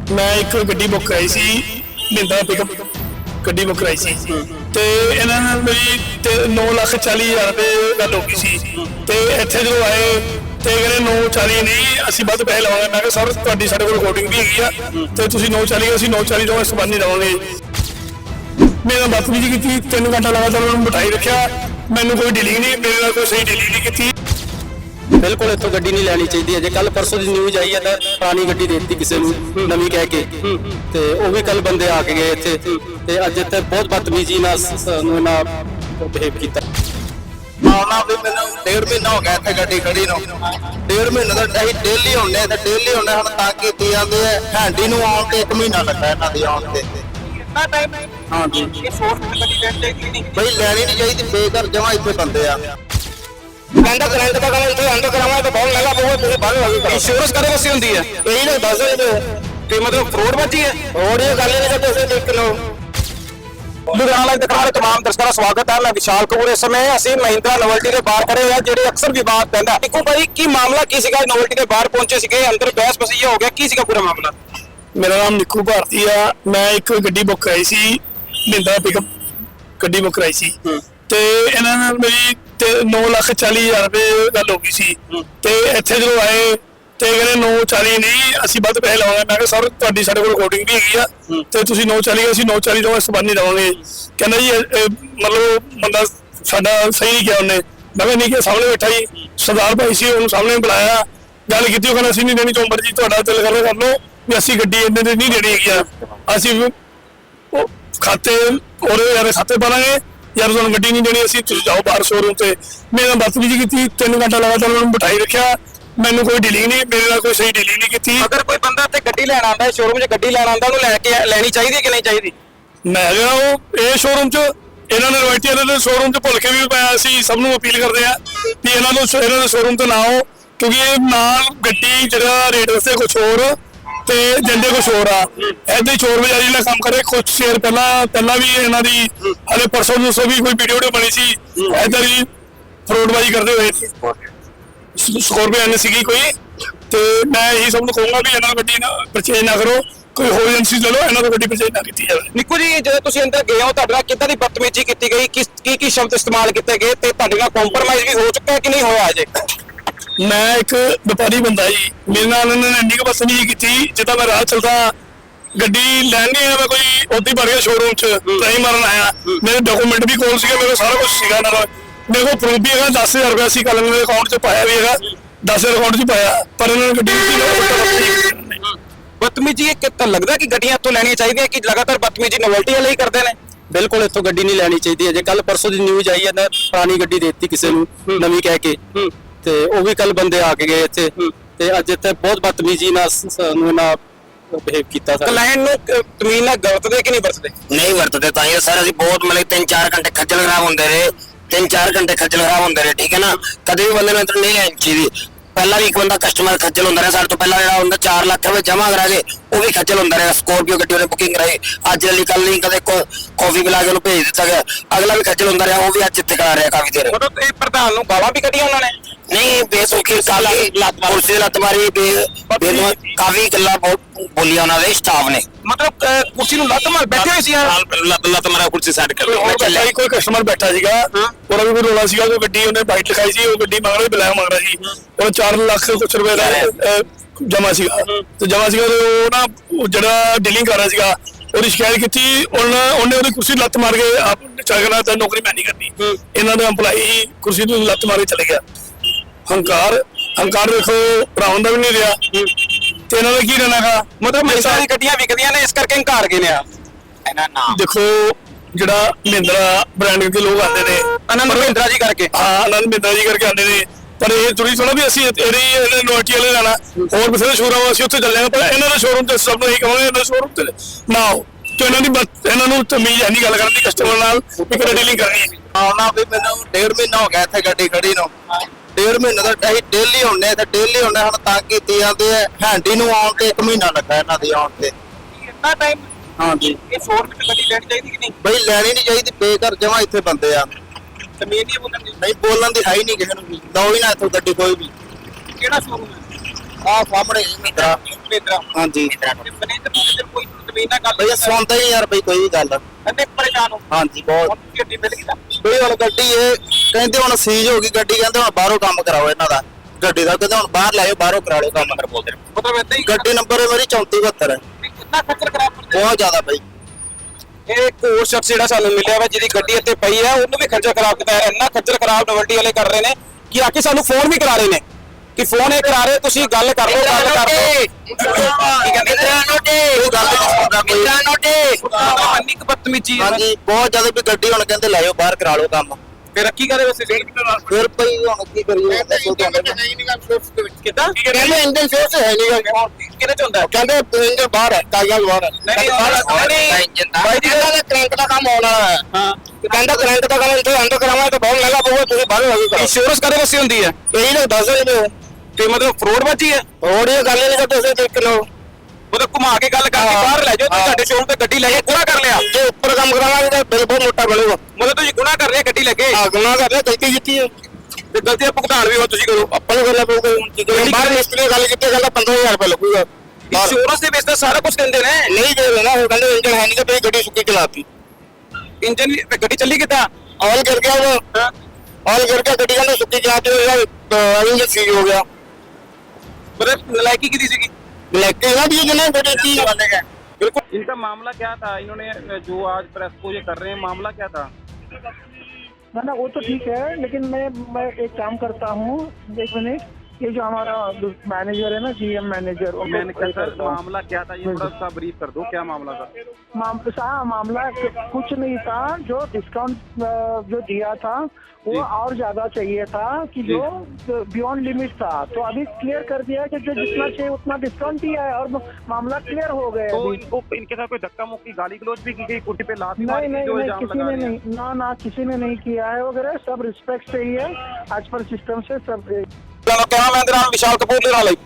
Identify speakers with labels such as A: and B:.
A: मैं एक गड्डी बुक कराई सी महिंद्रा पिकअप गड्डी बुक कराई सी ते इन्हां नाल मेरी 9,40,000 रुपए गल हो गई सी ते इत्थे जो आए ते कहंदे 9,40 नहीं असीं वध पैसे लवांगे। मैं कहा सर तुहाडी साडे कोल रिकॉर्डिंग भी हैगी आ ते तुसीं 9,40 असीं 9,40 ਤੋਂ ਇਸ ਤੋਂ ਵੱਧ नहीं देवांगे। मेरे नाल बदतमीजी कीती 3 घंटा लगातार उन्होंने बिठाई रखिया। मैनूं कोई डीलिंग नहीं मेरे नाल कोई सही डीलिंग नहीं कीती।
B: बिल्कुल इत्थों गड्डी नहीं लैनी चाहिए। जे कल परसों की न्यूज़ आई है तो पुरानी गड्डी दे दी किसी नूं नवीं कह के ते वो भी कल बंदे आके गए इत्थे ते अज इत्थे बहुत बदतमीजी नाल बिहेव कीता।
C: आना भी मैंने 1.5 महीना हो गया इत्थे गड्डी खड़ी नूं 1.5 महीने तो ਅਸੀਂ डेली ਹੁੰਨੇ ਤੇ डेली ਹੁੰਨੇ ਹੁਣ ਤਾਂ ਕੀਤੀ ਜਾਂਦੇ ਆ ਹੈਂਡੀ ਨੂੰ ਆਉਣ ਤੇ 1 ਮਹੀਨਾ ਲੱਗਾ ਇਹਨਾਂ ਦੀ ਆਉਣ ਤੇ।
D: कितना टाइम है?
C: हाँ जी
D: ये फोर्स में कभी लेट चाहिए नहीं।
C: ਬਈ ਲੈਣੀ ਨਹੀਂ ਚਾਹੀਦੀ ਬੇਕਾਰ ਜਮਾ ਇੱਥੇ ਬੰਦੇ ਆ।
D: अंदर करंट का करंट तो अंदर करावा तो बहुत महंगा बहुत मुझे बाहर लगी
B: इंश्योरेंस कदों वसी होंदी है
D: यही लोग दस रहे
B: कि मतलब फ्रॉड बाजी है
D: और ये गाली नहीं करते देख लो।
B: लुधियाना लाइव दिखा रहे तमाम दर्शकों का स्वागत है। मैं विशाल कपूर। इस समय ਅਸੀਂ ਮਹਿੰਦਰਾ ਨੋਵਲਟੀ ਦੇ ਬਾਹਰ ਖੜੇ ਆ ਜਿਹੜੇ ਅਕਸਰ ਵਿਵਾਦ ਪੈਂਦਾ। ਦੇਖੋ ਭਾਈ ਕੀ ਮਾਮਲਾ ਕੀ ਸੀਗਾ? ਨੋਵਲਟੀ ਦੇ ਬਾਹਰ ਪਹੁੰਚੇ ਸੀਗੇ ਅੰਦਰ ਬਹਿਸ ਬਸਈਆ ਹੋ ਗਿਆ ਕੀ ਸੀਗਾ ਪੂਰਾ ਮਾਮਲਾ?
A: मेरा नाम निक्कू भारती आ। मैं एक गड्डी बुक कराई सी महिंद्रा पिकअप गड्डी बुक कराई सी ते इन्हां नाल मेरी 9,40,000 रुपए गल हो गई सी ते इत्थे जो आए ते कहंदे 9,40 नहीं असीं वध पैसे लवांगे। मैं कहा सर तुहाडी साडे कोल रिकॉर्डिंग भी हैगी आ ते तुसीं 9,40 असीं 9,40 ਤੋਂ ਇਸ ਤੋਂ ਵੱਧ नहीं देवांगे। कहंदा जी मतलब बंदा साडा सही नहीं किया उन्हें। मैं कहा नहीं किया सामने बैठा जी सरदार भाई सी उन्होंने सामने बुलाया गल की कहना असीं नहीं देनी जो मर्जी तुहाडा दिल करदा कर लो भी असीं गड्डी इन्ने दी नहीं देनी हैगी असीं खाते और यार खाते पा लांगे यार तुहानूं गड्डी नहीं देनी असीं तुसीं जाओ बाहर शोरूम ते। मेरे नाल बदतमीजी कीती 3 घंटा लगातार उन्होंने बिठाई रखिया। मैनूं कोई डीलिंग नहीं मेरे नाल कोई सही डीलिंग नहीं कीती।
B: अगर कोई बंदा ਇੱਥੇ ਗੱਡੀ ਲੈਣ ਆਂਦਾ ਹੈ ਸ਼ੋਰੂਮ 'ਚ ਗੱਡੀ ਲੈਣ ਆਂਦਾ ਉਹਨੂੰ ਲੈ ਕੇ ਲੈਣੀ ਚਾਹੀਦੀ ਹੈ ਕਿ ਨਹੀਂ ਚਾਹੀਦੀ?
A: ਮੈਂ ਕਿਹਾ ਉਹ ਇਹ ਸ਼ੋਰੂਮ 'ਚ ਇਹਨਾਂ ਨੇ ਰਵਾਇਤੀ ਵਾਲੇ ਦੇ ਸ਼ੋਰੂਮ 'ਚ ਭੁੱਲ ਕੇ ਵੀ ਪਾਇਆ। ਅਸੀਂ ਸਭ ਨੂੰ ਅਪੀਲ ਕਰਦੇ ਆ ਵੀ ਇਹਨਾਂ ਦੇ ਸ਼ੋਰੂਮ ਤੇ ਨਾ ਆਓ ਕਿਉਂਕਿ ਇਹ ਨਾਲ ਗੱਡੀ ਜਿਹੜਾ ਰੇਟ ਦੱਸੇ ਕੁਝ ਹੋਰ ਤੇ ਦਿੰਦੇ ਕੁਝ ਹੋਰ ਆ। ਏਦਾਂ ਹੀ ਚੋਰ ਬਜ਼ਾਰੀ ਦਾ ਕੰਮ ਕਰੇ। ਕੁਝ ਸ਼ੇਰ ਪਹਿਲਾਂ ਵੀ ਇਹਨਾਂ ਦੀ ਹਲੇ ਪਰਸੋਂ ਦੋਸੋਂ ਵੀ ਕੋਈ ਵੀਡੀਓ ਬਣੀ ਸੀ ਏਦਾਂ ਹੀ ਫਰੋਡਬਾਜ਼ੀ ਕਰਦੇ ਹੋਏ ਸਕੋਰਪੀਓ ਐਨ ਸੀਗੀ ਕੋਈ ਤੇ ਮੈਂ ਇਹੀ ਸਭ ਨੂੰ ਕਹੂੰਗਾ ਵੀ ਇਹਨਾਂ ਨੂੰ ਗੱਡੀ ਨਾ ਪਰਚੇਜ ਨਾ ਕਰੋ ਕੋਈ ਹੋਰ ਏਜੰਸੀ ਲੈ ਲਓ ਇਹਨਾਂ ਤੋਂ ਗੱਡੀ ਪਰਚੇਜ ਨਾ ਕੀਤੀ ਜਾਵੇ।
B: ਨਿੱਕੂ ਜੀ ਜਦੋਂ ਤੁਸੀਂ ਅੰਦਰ ਗਏ ਹੋ ਤੁਹਾਡੇ ਨਾਲ ਕਿੱਦਾਂ ਦੀ ਬਦਤਮੀਜ਼ੀ ਕੀਤੀ ਗਈ ਕੀ ਸ਼ਬਦ ਇਸਤੇਮਾਲ ਕੀਤੇ ਗਏ ਤੇ ਤੁਹਾਡੇ ਨਾਲ ਕੰਪਰਮਾਈਜ਼ ਵੀ ਹੋ ਚੁੱਕਾ ਹੈ ਕਿ ਨਹੀਂ ਹੋਇਆ ਅਜੇ?
A: मैं एक व्यापारी बंदा जी मेरे नाल इन्होंने इन्नी बदतमीजी की जिदा मैं राह चलता गड्डी लैन गया मैं कोई उदा ही बढ़ गया शोरूम च ट्राई मारन आया। मेरे डॉक्यूमेंट भी कोल से मेरे सारा कुछ सीगा मेरे को प्रूफ भी है 10,000 रुपया असी कल मेरे अकाउंट च पाया भी है 10,000 अकाउंट च पाया पर इन्होंने गड्डी
B: बदतमीजी कितना लगता कि गड्डियां इत्थों लैनियां चाहिए कि लगातार बदतमीजी नोवल्टी वाले ही करते हैं? बिल्कुल इत्थों गड्डी नहीं लैनी चाहिए। जे कल परसों की न्यूज़ आई है तो पुरानी गड्डी दे दी किसी नूं नवीं कह के ਤੇ ਉਹ ਵੀ ਕੱਲ ਬੰਦੇ ਆ ਕੇ ਗਏ ਇੱਥੇ ਤੇ ਅੱਜ ਇੱਥੇ ਬਹੁਤ ਬਦਤਮੀਜੀ ਨਾਲ ਬਿਹੇਵ ਕੀਤਾ। ਕਲਾਇੰਟ ਨੂੰ ਤਮੀਨ ਨਾਲ ਵਰਤਦੇ ਕਿ ਨਹੀਂ ਵਰਤਦੇ?
C: ਨਹੀਂ ਵਰਤਦੇ ਤਾਂ ਇਹ ਸਰ ਅਸੀਂ ਬਹੁਤ ਮਤਲਬ 3-4 ਘੰਟੇ ਖੱਜਲ ਖਰਾਬ ਹੁੰਦੇ ਰਹੇ 3-4 ਘੰਟੇ ਖੱਜਲ ਖਰਾਬ ਹੁੰਦੇ ਰਹੇ ਠੀਕ ਹੈ ਨਾ। ਕਦੇ ਵੀ ਬੰਦੇ ਨੂੰ ਇੱਧਰ ਨਹੀਂ ਲੈਣੀ ਚਾਹੀਦੀ। ਪਹਿਲਾਂ ਵੀ ਇੱਕ ਬੰਦਾ ਕਸਟਮਰ ਖੱਜਲ ਹੁੰਦਾ ਰਿਹਾ ਸਾਡੇ ਤੋਂ ਪਹਿਲਾਂ ਜਿਹੜਾ ਹੁੰਦਾ 4 ਲੱਖ ਰੁਪਏ ਜਮ੍ਹਾਂ ਕਰਾ ਕੇ ਉਹ ਵੀ ਖੱਜਲ ਹੁੰਦਾ ਰਿਹਾ। ਸਕੋਰਪੀਓ ਗੱਡੀ ਉਹਨੇ ਬੁਕਿੰਗ ਕਰਾਈ ਅੱਜ ਵਾਲੀ ਕੱਲ ਨਹੀਂ ਕਦੇ ਕਾਫੀ ਪਿਲਾ ਕੇ ਉਹਨੂੰ ਭੇਜ ਦਿੱਤਾ ਗਿਆ ਅਗਲਾ ਵੀ ਖੱਜਲ ਹੁੰਦਾ ਰਿਹਾ ਉਹ ਵੀ ਅੱਜ ਇੱਥੇ ਕਰਾ ਰਿਹਾ ਕਾਫੀ ਦੇਰ।
B: ਮਤਲਬ ਇਹ ਪ੍ਰਧਾਨ ਨੂੰ ਗਾਲਾਂ ਵੀ ਕੱਢੀਆਂ ਉਹਨਾਂ ਨੇ?
C: ਨਹੀਂ ਬੇਸੁਖੀ ਕਾਲੀ ਕੁਰਸੀ ਲੱਤ ਮਾਰੀ ਕਾਫੀ ਗੱਲਾਂ ਬੋਲੀਆਂ ਉਹਨਾਂ ਦੇ ਸਟਾਫ ਨੇ।
B: ਮਤਲਬ ਕੁਰਸੀ ਨੂੰ ਲੱਤ ਮਾਰ ਬੈਠੇ ਹੋਏ ਸੀ
C: ਲੱਤ ਮਾਰਾ ਕੁਰਸੀ ਸੈੱਟ ਕਰ
A: ਲਈ ਕੋਈ ਕਸਟਮਰ ਬੈਠਾ ਸੀਗਾ ਉਹਦਾ ਵੀ ਕੋਈ ਰੋਲਾ ਸੀਗਾ ਕੋਈ ਗੱਡੀ ਉਹਨੇ ਬਾਈਟ ਲਿਖਾਈ ਸੀ ਉਹ ਗੱਡੀ ਮੰਗ ਰਹੀ ਬੁਲਾਇਆ ਮੰਗ ਰਿਹਾ ਸੀ ਉਹ 4 ਲੱਖ ਕੁਛ ਰੁਪਏ ਦਾ ਜਮਾ ਸੀਗਾ ਤੇ ਜਮਾ ਸੀਗਾ ਉਹ ਨਾ ਜਿਹੜਾ ਡੀਲਿੰਗ ਕਰ ਰਿਹਾ ਸੀਗਾ ਉਹਦੀ ਸ਼ਿਕਾਇਤ ਕੀਤੀ ਉਹਨੇ ਉਹਦੀ ਕੁਰਸੀ ਲੱਤ ਮਾਰ ਕੇ ਆਪ ਚੱਲਣਾ ਤਾਂ ਨੌਕਰੀ ਮੈਂ ਨਹੀਂ ਕਰਨੀ। ਇਹਨਾਂ ਦੇ EMPLOYEE ਕੁਰਸੀ ਨੂੰ ਲੱਤ ਮਾਰ ਕੇ ਚਲੇ ਗਿਆ। ਹੰਕਾਰ ਦੇਖੋ ਭਰਾਵਾਂ ਦਾ ਵੀ ਨਹੀਂ ਰਿਹਾ ਤੇ ਇਹਨਾਂ ਦਾ ਕੀ ਰਹਿਣਾਗਾ।
B: ਮਤਲਬ ਮਹਿੰਦਰਾ ਦੀ ਗੱਡੀਆਂ ਵਿਕਦੀਆਂ ਨੇ ਇਸ ਕਰਕੇ ਹੰਕਾਰ ਗਏ ਨੇ ਆ ਇਹਨਾਂ ਨਾਮ
A: ਦੇਖੋ ਜਿਹੜਾ ਮਹਿੰਦਰਾ ਬ੍ਰਾਂਡ ਦੇ ਲੋਕ ਆਉਂਦੇ ਨੇ
B: ਆਨੰਦ ਮਹਿੰਦਰਾ ਜੀ ਕਰਕੇ
A: ਆਨੰਦ ਮਹਿੰਦਰਾ ਜੀ ਕਰਕੇ ਆਉਂਦੇ ਨੇ ਪਰ ਇਹ ਥੋੜੀ ਥੋੜਾ ਵੀ ਅਸੀਂ ਇਹਦੇ ਨੋਟੀ ਵਾਲੇ ਲੈਣਾ ਹੋਰ ਬਥੇਰੇ ਸ਼ੋਰੂਮ ਅਸੀਂ ਉੱਥੇ ਚੱਲੇ ਪਰ ਇਹਨਾਂ ਦੇ ਸ਼ੋਰੂਮ ਤੇ ਸਭ ਨੂੰ ਇਹੀ ਕਹਾਂਗੇ ਇਹਨਾਂ ਦੇ ਸ਼ੋਰੂਮ ਤੇ ਨਾ ਆਓ ਤੇ ਇਹਨਾਂ ਨੂੰ ਤਮੀਜ਼ ਹੈ ਨਹੀਂ ਗੱਲ ਕਰਨ ਦੀ ਕਸਟਮਰ ਨਾਲ ਵੀ ਕਿਹੜਾ ਡੀਲਿੰਗ ਕਰਨੀ ਹੈ।
C: ਆਉਣਾ ਵੀ ਮੈਨੂੰ 1.5 ਮਹੀਨਾ ਹੋ ਗਿਆ ਇੱਥੇ ਗੱਡੀ ਖੜੀ ਨੂੰ 1.5 ਮਹੀਨੇ ਤੋਂ ਅਸੀਂ डेली ਹੁੰਨੇ ਤੇ डेली ਹੁੰਨੇ ਹੁਣ ਤਾਂ ਕੀਤੀ ਜਾਂਦੇ ਆ ਹੈਂਡੀ ਨੂੰ ਆਉਣ ਤੇ 1 ਮਹੀਨਾ ਲੱਗਾ ਇਹਨਾਂ ਦੀ ਆਉਣ ਤੇ।
D: कितना टाइम?
C: हाँ जी
D: ये फोर्स में कभी लेट चाहिए कि नहीं?
C: ਬਈ ਲੈਣੀ ਨਹੀਂ ਚਾਹੀਦੀ ਬੇਕਾਰ ਜਮਾ ਇੱਥੇ ਬੰਦੇ ਆ।
D: जमीन नहीं बोलने
C: ਨਹੀਂ ਬੋਲਣ ਦੀ ਹੈ ਹੀ ਨਹੀਂ ਕਿਸੇ ਨੂੰ ਵੀ ਲਓ ਹੀ ਨਾ ਇੱਥੋਂ ਗੱਡੀ ਕੋਈ ਵੀ।
D: केड़ा शोरूम है?
B: ਆ ਸਾਹਮਣੇ ਮਿੱਤਰਾ
D: ਮਿੱਤਰਾ
B: ਹਾਂਜੀ
D: ਮੈਨੇਜਰ ਕੋਈ ਜ਼ਮੀਨ ਨਾਲ ਗੱਲ
B: ਬਈ ਸੁਣਦਾ ਹੀ ਯਾਰ ਬਈ ਕੋਈ ਵੀ ਗੱਲ
D: ਅੰਨੇ ਪਰੇਸ਼ਾਨ ਹੋ
B: ਹਾਂਜੀ ਬਹੁਤ
D: ਹੁਣ ਗੱਡੀ ਮਿਲ ਗਈ ਤਾਂ
B: ਬਈ ਹੁਣ ਗੱਡੀ ਇਹ ਕਹਿੰਦੇ ਹੁਣ ਸੀਜ਼ ਹੋ ਗਈ ਗੱਡੀ ਕਹਿੰਦੇ ਹੁਣ ਬਾਹਰੋਂ ਕੰਮ ਕਰਾਓ ਇਹਨਾਂ ਦਾ ਗੱਡੀ ਦਾ ਕਹਿੰਦੇ ਹੁਣ ਬਾਹਰ ਲਾਇਓ ਬਾਹਰੋਂ ਕਰਾ ਲਿਓ ਕੰਮ ਕਰ ਬੋਲਦੇ ਨੇ
D: ਮਤਲਬ ਏਦਾਂ ਹੀ
B: ਗੱਡੀ ਨੰਬਰ ਮੇਰੀ 3472 ਹੈ
D: ਕਿੰਨਾ ਖੱਜਲ ਖਰਾਬ ਕਰਦੇ
B: ਬਹੁਤ ਜ਼ਿਆਦਾ ਬਈ
E: ਇਹ ਇੱਕ ਹੋਰ ਸ਼ਖਸ ਜਿਹੜਾ ਸਾਨੂੰ ਮਿਲਿਆ ਵਾ ਜਿਹਦੀ ਗੱਡੀ ਇੱਥੇ ਪਈ ਹੈ ਉਹਨੂੰ ਵੀ ਖੱਜਲ ਖਰਾਬ ਕੀਤਾ ਹੈ ਇੰਨਾ ਖੱਜਲ ਖਰਾਬ ਨਵਲਟੀ ਵਾਲੇ ਕਰ ਰਹੇ ਨੇ ਕਿ ਆ ਕੇ ਸਾਨੂੰ ਫੋਨ ਵੀ ਕਰਾ ਰਹੇ ਨੇ ਕਿ ਫੋਨ ਇਹ ਕਰਾ ਰਹੇ ਤੁਸੀਂ ਗੱਲ ਕਰ ਲਓ ਗੱਲ ਕਰ ਲਓ ਕੀ ਕਹਿੰਦੇ ਇੰਨੀ ਕੁ ਬਦਤਮੀਜ਼ੀ ਹੈ
B: ਹਾਂਜੀ ਬਹੁਤ ਜ਼ਿਆਦਾ ਵੀ ਗੱਡੀ ਹੁਣ ਕਹਿੰਦੇ ਲਾਇਓ ਬਾਹਰ ਕਰਾ ਲਓ ਕੰਮ
E: ਫਿਰ ਰੱਖੀ ਕਰੇ ਵਸੇ
B: ਫਿਰ ਭਈ ਹੁਣ ਕੀ ਕਰੀਏ ਦੱਸੋ ਤੁਹਾਨੂੰ
E: ਕਿੱਦਾਂ
D: ਕਹਿੰਦੇ ਇੰਜਨ ਸੋਰਸ ਹੈ ਨਹੀਂ
E: ਕਿਹਦੇ ਚ ਹੁੰਦਾ ਹੈ?
D: ਕਹਿੰਦੇ ਇੰਜਨ ਬਾਹਰ ਹੈ ਕਾਗਜ਼ਾਂ ਬਾਹਰ ਹੈ
E: ਨਹੀਂ
D: ਬਾਈ ਜੀ ਇਹਦਾ ਕਰੰਟ ਦਾ ਕੰਮ ਹੋਣਾ ਹੈ
E: ਹਾਂ
D: ਕਹਿੰਦਾ ਕਰੰਟ ਦਾ ਕੰਮ ਇੱਥੇ ਅੰਦਰ ਕਰਾਵਾਂਗੇ ਤਾਂ ਬਹੁਤ ਮਹਿੰਗਾ ਪਊਗਾ ਤੁਸੀਂ ਬਾਹਰ ਹੋ ਗਏ
E: ਇੰਸ਼ੋਰੈਂਸ ਕਦੇ ਵਸੇ ਹੁੰਦੀ ਹੈ
D: ਇਹੀ ਤਾਂ ਦੱਸ ਰਹੇ ਨੇ
E: ਤੇ ਮਤਲਬ ਫਰੋਡ ਬਾਜੀ ਹੈ
D: ਹੋਰ ਇਹ ਗੱਲ ਨਹੀਂ ਕਰਦੇ ਤੁਸੀਂ ਦੇਖ ਲਓ
E: ਮਤਲਬ ਘੁਮਾ ਕੇ ਗੱਲ ਕਰਕੇ ਬਾਹਰ ਲੈ ਜਾਓ ਤੁਸੀਂ ਸਾਡੇ ਸ਼ੋਰੂਮ ਤੇ ਗੱਡੀ ਲੈ ਕੇ ਗੁਨਾਹ ਕਰ ਲਿਆ
D: ਜੇ ਉੱਪਰ ਕੰਮ ਕਰਾਵਾਂਗੇ ਤਾਂ ਬਿੱਲ ਬਹੁਤ ਮੋਟਾ ਬਣੇਗਾ
E: ਮਤਲਬ ਤੁਸੀਂ ਗੁਨਾਹ ਕਰ ਲਿਆ ਗੱਡੀ ਲੱਗੇ
D: ਆ ਗੁਨਾਹ ਕਰਦੇ ਗਲਤੀ ਕੀਤੀ ਹੈ
E: ਤੇ ਗਲਤੀ ਦਾ ਭੁਗਤਾਨ ਵੀ ਉਹ ਤੁਸੀਂ ਕਰੋ
D: ਆਪਾਂ ਨੂੰ ਕਰਨਾ ਪਊਗਾ ਹੁਣ ਬਾਹਰ ਮਿਸਤਰੀ ਨੇ ਗੱਲ ਕੀਤੀ ਕਹਿੰਦਾ 15000 ਰੁਪਏ ਲੱਗੂਗਾ
E: ਇੰਸ਼ੋਰੈਂਸ ਦੇ ਵਿੱਚ ਤਾਂ ਸਾਰਾ ਕੁਝ ਦਿੰਦੇ ਨੇ
D: ਨਹੀਂ ਦੇ ਦੇਣਾ ਉਹ ਕਹਿੰਦੇ ਇੰਜਨ ਹੈ ਨਹੀਂ ਤੇ ਫਿਰ ਗੱਡੀ ਸੁੱਕੀ ਚਲਾਤੀ
E: ਇੰਜਨ ਵੀ ਗੱਡੀ ਚੱਲੀ ਕਿੱਦਾਂ
D: ਆਇਲ ਗਿਰ ਗਿਆ ਉਹ ਆਇਲ ਗਿਰ ਗਿਆ ਗੱਡੀ ਕਹਿੰਦੇ ਸੁੱਕੀ ਚਲਾਤੀ ਹੋਇਆ ਇੰਜਨ ਸੀਜ਼ ਹੋ ਗਿਆ
E: मतलब नलायकी की दी सीगी
D: लेके ना भी जने बेटे की
E: बिल्कुल
F: इनका मामला क्या था इन्होंने जो आज प्रेस को ये कर रहे हैं मामला क्या था
G: ना वो तो ठीक है लेकिन मैं एक काम करता हूँ 1 मिनट ये जो हमारा मैनेजर है ना GM मैनेजर
F: मैंने कहा सर मामला क्या था ये थोड़ा सा ब्रीफ कर दो क्या मामला था
G: मामला कुछ नहीं था जो डिस्काउंट जो दिया था वो और ज्यादा चाहिए था कि जो बियॉन्ड लिमिट था तो अभी क्लियर कर दिया कि जो जितना चाहिए उतना डिस्काउंट दिया है और मामला क्लियर हो गया
F: तो
G: अभी।
F: इनको इनके साथ कोई धक्का मुक्की गाली गलौज भी की गई कुर्सी पे लात
G: नहीं नहीं नहीं किसी ने नहीं ना किसी ने नहीं किया है वगैरह सब रिस्पेक्ट से ही है आज पर सिस्टम से सब
E: कहना मैं विशाल कपूर दे नाल